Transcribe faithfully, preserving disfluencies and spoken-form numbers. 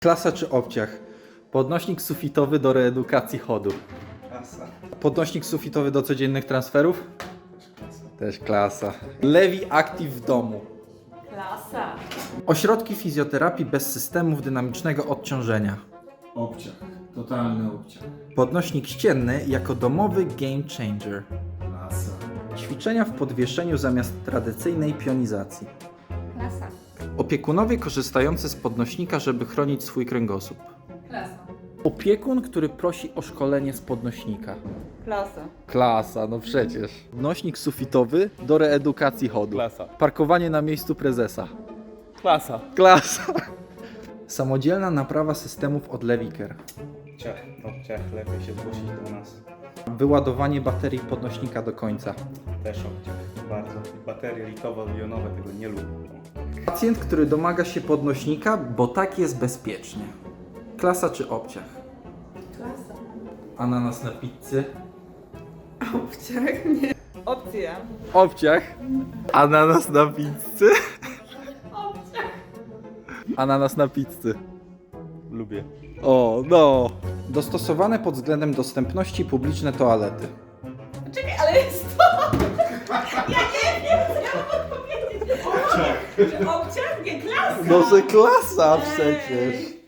Klasa czy obciach? Podnośnik sufitowy do reedukacji chodu. Klasa. Podnośnik sufitowy do codziennych transferów? Też klasa. Levi Active w domu. Klasa. Ośrodki fizjoterapii bez systemów dynamicznego odciążenia. Obciach. Totalny obciach. Podnośnik ścienny jako domowy game changer. Klasa. Ćwiczenia w podwieszeniu zamiast tradycyjnej pionizacji. Klasa. Opiekunowie korzystający z podnośnika, żeby chronić swój kręgosłup. Klasa. Opiekun, który prosi o szkolenie z podnośnika. Klasa. Klasa, no przecież. Podnośnik sufitowy do reedukacji chodu. Klasa. Parkowanie na miejscu prezesa. Klasa. Klasa. Samodzielna naprawa systemów od Leviker. Obciach. Obciach. Lepiej się zgłosić do nas. Wyładowanie baterii podnośnika do końca. Też obciach. Bardzo. Baterie litowo-jonowe tego nie lubią. Pacjent, który domaga się podnośnika, bo tak jest bezpiecznie. Klasa czy obciach? Klasa. Ananas na pizzy. Obciach? Nie. Opcja. Obciach. Ananas na pizzy. Obciach. Ananas na pizzy. Lubię. O, no. Dostosowane pod względem dostępności publiczne toalety. Czekaj, ale jest to... Ja nie wiem, co ja mam odpowiedzieć. Obciach. Czy obciach? Nie, klasa. No, że klasa przecież.